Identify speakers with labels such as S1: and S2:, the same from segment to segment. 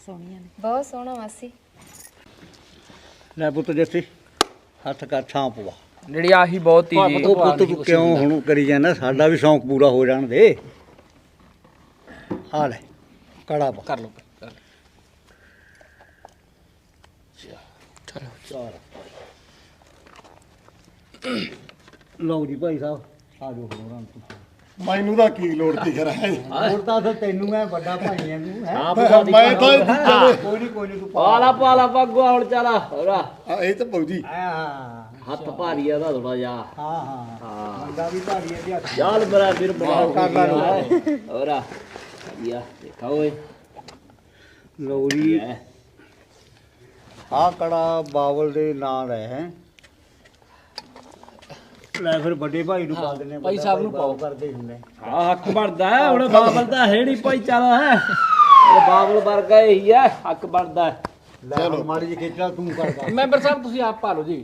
S1: ਸੋਹਣੀਆਂ ਨੇ।
S2: ਬਹੁਤ ਸੋਹਣਾ ਮਾਸੀ।
S3: ਲੈ ਪੁੱਤ ਜੱਸੀ ਹੱਥ ਕਰ ਛਾਂ ਪਵਾ
S4: ਜਿਹੜੀ ਆਹੀ ਬਹੁਤ ਤੀ ਜੀ।
S3: ਉਹ ਪੁੱਤ ਤੂੰ ਕਿਉਂ ਹੁਣ ਕਰੀ ਜਾਂਦਾ, ਸਾਡਾ ਵੀ ਸ਼ੌਂਕ ਪੂਰਾ ਹੋ ਜਾਣ ਦੇ। ਆ ਲੈ ਕੜਾ ਪਾ
S4: ਕਰ ਲਓ
S3: ਚਾਰ ਲਓ ਜੀ ਭਾਈ ਸਾਹਿਬ ਆ ਜਾਓ ਹੁਣ ਰਾਂ ਤੂੰ।
S5: ਮੈਨੂੰ ਤਾਂ ਕੀ ਲੋੜ ਤੀ ਕਰਾ
S3: ਹੋਰ ਤਾਂ ਫਿਰ ਤੈਨੂੰ ਐ ਵੱਡਾ ਭਾਈ ਐ ਤੂੰ ਹੈ।
S5: ਮੈਂ ਤਾਂ
S3: ਕੋਈ ਨਹੀਂ ਤੂੰ
S6: ਪਾਲਾ ਪੱਗਵਾ ਹੁਣ ਚਾਲਾ ਹੋਰਾ
S5: ਇਹ ਤਾਂ ਬੌਜੀ
S3: ਹਾਂ
S6: ਹੱਥ ਭਾਰੀ ਆ ਦਾ ਥੋੜਾ ਜਿਹਾ।
S3: ਹਾਂ ਮੁੰਡਾ ਵੀ ਭਾਰੀ ਐ ਜੀ ਹੱਥ।
S6: ਚੱਲ ਮੇਰਾ ਵੀਰ ਬਣਾਓ
S3: ਕਰ ਲਾ
S6: ਹੋਰਾ ਯਾ ਦੇਖਾ ਓਏ
S3: ਲਓ ਜੀ ਆ ਕੜਾ ਬਾਵਲ ਦੇ ਨਾਂ ਦਾ ਹੈ। ਲੈ ਫਿਰ ਵੱਡੇ ਭਾਈ ਨੂੰ ਪਾ ਦਿੰਦੇ
S4: ਭਾਈ ਸਾਹਿਬ ਨੂੰ ਪਾਓ।
S3: ਕਰਦੇ ਹੁੰਦੇ।
S6: ਆ ਹੱਕ ਬਣਦਾ ਹੈ ਹੁਣ ਬਾਬਲ ਦਾ ਹੈ ਨਹੀਂ ਭਾਈ ਚਾਲਾ ਹੈ ਇਹ ਬਾਬਲ ਵਰਗਾ ਹੀ ਹੈ ਹੱਕ ਬਣਦਾ ਹੈ।
S3: ਲੈ ਹੁਣ ਮਾੜੀ ਜਿਹੀ ਖੇਚਲਾ ਤੂੰ ਕਰਦਾ।
S4: ਮੈਂਬਰ ਸਾਹਿਬ ਤੁਸੀਂ ਆਪ ਪਾ ਲਓ ਜੀ।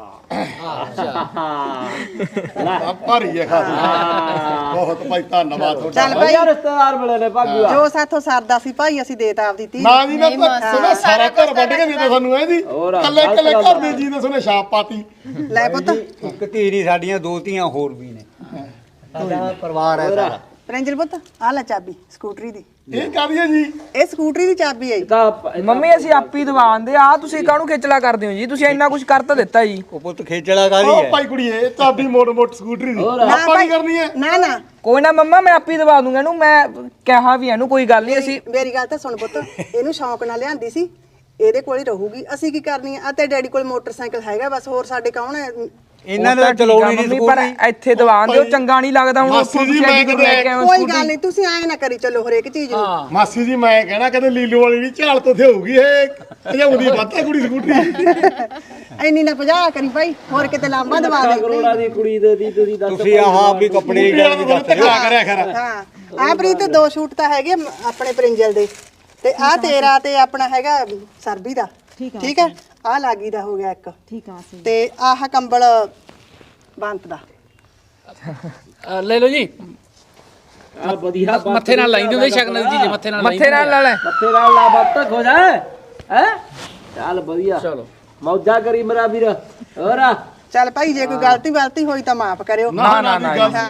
S5: ਆ ਭਾਰੀ ਹੈ ਖਾਸ ਬਹੁਤ ਭਾਈ ਧੰਨਵਾਦ ਤੁਹਾਡਾ।
S7: ਚੱਲ ਭਾਈ
S6: ਰਿਸ਼ਤੇਦਾਰ ਮਿਲੇ ਨੇ ਭਾਗੂਆ
S7: ਜੋ ਸਾਥੋਂ ਸਰਦਾ ਸੀ ਭਾਈ ਅਸੀਂ ਦੇਤਾ ਆਪਦੀ ਧੀ।
S5: ਨਾ ਜੀ ਨਾ ਸੁਣਾ ਸਾਰਾ ਘਰ ਵੱਢ ਕੇ ਦਿੱਤਾ ਸਾਨੂੰ ਇਹਦੀ ਕੱਲੇ ਕੱਲੇ ਘਰ ਦੇ ਜੀ ਨੇ ਸੁਣੇ ਛਾਪ ਪਾਤੀ।
S7: ਲੈ ਪੁੱਤ
S3: ਇੱਕ ਧੀ ਨਹੀਂ ਸਾਡੀਆਂ ਦੋ ਧੀਆਂ ਹੋਰ ਵੀ ਨੇ। ਸਾਡਾ ਪਰਿਵਾਰ ਹੈ ਸਾਰਾ।
S7: ਪ੍ਰਿੰਜਲ ਪੁੱਤ ਆ ਲੈ ਚਾਬੀ ਸਕੂਟਰੀ ਦੀ।
S5: ਇਹ ਕਾਹਦੀ ਹੈ ਜੀ?
S7: ਇਹ ਸਕੂਟਰੀ ਦੀ ਚਾਬੀ ਹੈ ਜੀ।
S6: ਤਾਂ
S4: ਮੰਮੀ ਅਸੀਂ ਆਪੀ ਦਵਾਉਂਦੇ ਆ, ਤੁਸੀਂ ਕਾਹਨੂੰ ਖੇਚਲਾ ਕਰਦੇ ਹੋ ਜੀ? ਤੁਸੀਂ ਇੰਨਾ ਕੁਝ ਕਰ ਤਾਂ ਦਿੱਤਾ ਜੀ।
S3: ਉਹ ਪੁੱਤ ਖੇਚਲਾ ਕਾਹਦੀ
S5: ਉਹ
S3: ਹੈ?
S5: ਭਾਈ ਕੁੜੀਏ ਚਾਬੀ ਮੋੜ ਸਕੂਟਰੀ ਦੀ
S7: ਨਾ
S5: ਆਪਾਂ
S7: ਭਾਈ
S5: ਕੀ ਕਰਨੀ ਹੈ?
S7: ਨਾ ਨਾ
S4: ਕੋਈ ਨਾ ਮੰਮਾ ਮੈਂ ਆਪੀ ਦਵਾ ਦੂੰਗਾ ਇਹਨੂੰ। ਮੈਂ ਕਿਹਾ ਵੀ ਇਹਨੂੰ ਕੋਈ ਗੱਲ ਨਹੀਂ। ਅਸੀਂ
S7: ਮੇਰੀ ਗੱਲ ਤਾਂ ਸੁਣ ਪੁੱਤ, ਇਹਨੂੰ ਸ਼ੌਂਕ ਨਾਲ ਲਿਆਂਦੀ ਸੀ, ਇਹਦੇ ਕੋਲ ਹੀ ਰਹੂਗੀ। ਅਸੀਂ ਕੀ ਕਰਨੀ ਆ? ਤੇ ਡੈਡੀ ਕੋਲ ਮੋਟਰਸਾਈਕਲ ਹੈਗਾ ਬਸ, ਹੋਰ ਸਾਡੇ ਕੌਣ ਹੈ?
S3: ਇਹਨਾਂ ਨੇ ਚਲਾਉਣੀ ਨਹੀਂ
S4: ਮੰਮੀ, ਪਰ ਇੱਥੇ ਦਵਾਨ ਦਿਓ, ਚੰਗਾ ਨਹੀਂ ਲੱਗਦਾ ਹੁਣ।
S5: ਮਾਸੀ
S4: ਉੱਥੋਂ
S5: ਜੀ,
S4: ਤੁਸੀਂ
S5: ਮੈਂ
S4: ਐਡੀ ਦੂਰ ਲੈ ਕੇ ਆਏ ਹੋ
S7: ਕੋਈ
S4: ਸਕੂਟੀ।
S7: ਗੱਲ ਨਹੀਂ, ਤੁਸੀਂ ਐਂ ਨਾ ਕਰੀ ਚੱਲੋ ਹਰੇਕ ਚੀਜ਼ ਨੂੰ।
S5: ਮਾਸੀ ਜੀ ਮੈਂ ਕਹਿਣਾ ਕਦੇ ਲੀਲੂ ਵਾਲੀ ਨਹੀਂ ਝਾਲ ਤੋਂ ਹੋਊਗੀ ਇਹ ਭਜਾਉਂਦੀ ਵੱਧਾ ਕੁੜੀ ਸਕੂਟਰੀ।
S7: ਐਨੀ ਨਾ 50 ਕਰੀ ਭਾਈ, ਹੋਰ ਕਿਤੇ ਲਾਂਬਾ ਦਵਾ ਦੇ।
S6: ਕਰੋੜਾਂ ਦੀ ਕੁੜੀ ਦੇ ਦੀ ਤੁਸੀਂ ਦੱਸ
S3: ਤੁਸੀਂ ਆਹ ਵੀ ਕੱਪੜੇ ਦੀ ਗੱਲ ਨਹੀਂ ਦੱਸ
S5: ਧੱਕਾ ਕਰਿਆ ਖਰਾ।
S7: ਹਾਂ ਆ ਪ੍ਰੀਤ ਦੋ ਸ਼ੂਟ ਤਾਂ ਹੈਗੇ ਆਪਣੇ ਪ੍ਰਿੰਜਲ ਦੇ, ਤੇ ਆ ਤੇਰਾ ਤੇ ਆਪਣਾ ਹੈਗਾ ਸਰਬੀ ਦਾ। ਠੀਕ ਹੈ ਆ ਲਾਗੀ ਦਾ ਹੋ ਗਿਆ ਇੱਕ।
S1: ਠੀਕ ਆ ਸਹੀ।
S7: ਤੇ ਆਹ ਕੰਬਲ ਬੰਤ ਦਾ।
S4: ਲੈ ਲਓ ਜੀ।
S6: ਆ ਵਧੀਆ
S4: ਮੱਥੇ ਨਾਲ ਲਾਈ ਦਿੰਦੇ ਸ਼ਕਲ ਦੀ ਚੀਜ਼। ਮੱਥੇ ਨਾਲ ਲਾ ਲੈ।
S6: ਮੱਥੇ ਨਾਲ ਲਾ ਬੱਤਕ ਹੋ ਜਾ ਹੈ ਚੱਲ ਵਧੀਆ
S4: ਚਲੋ
S6: ਮੌਜਾ ਕਰੀ ਮੇਰਾ ਵੀਰ ਹੋਰਾ।
S7: ਚੱਲ ਭਾਈ ਜੇ ਕੋਈ ਗਲਤੀ ਹੋਈ ਤਾਂ ਮਾਫ ਕਰਿਓ।
S4: ਨਾ ਨਾ ਨਾ।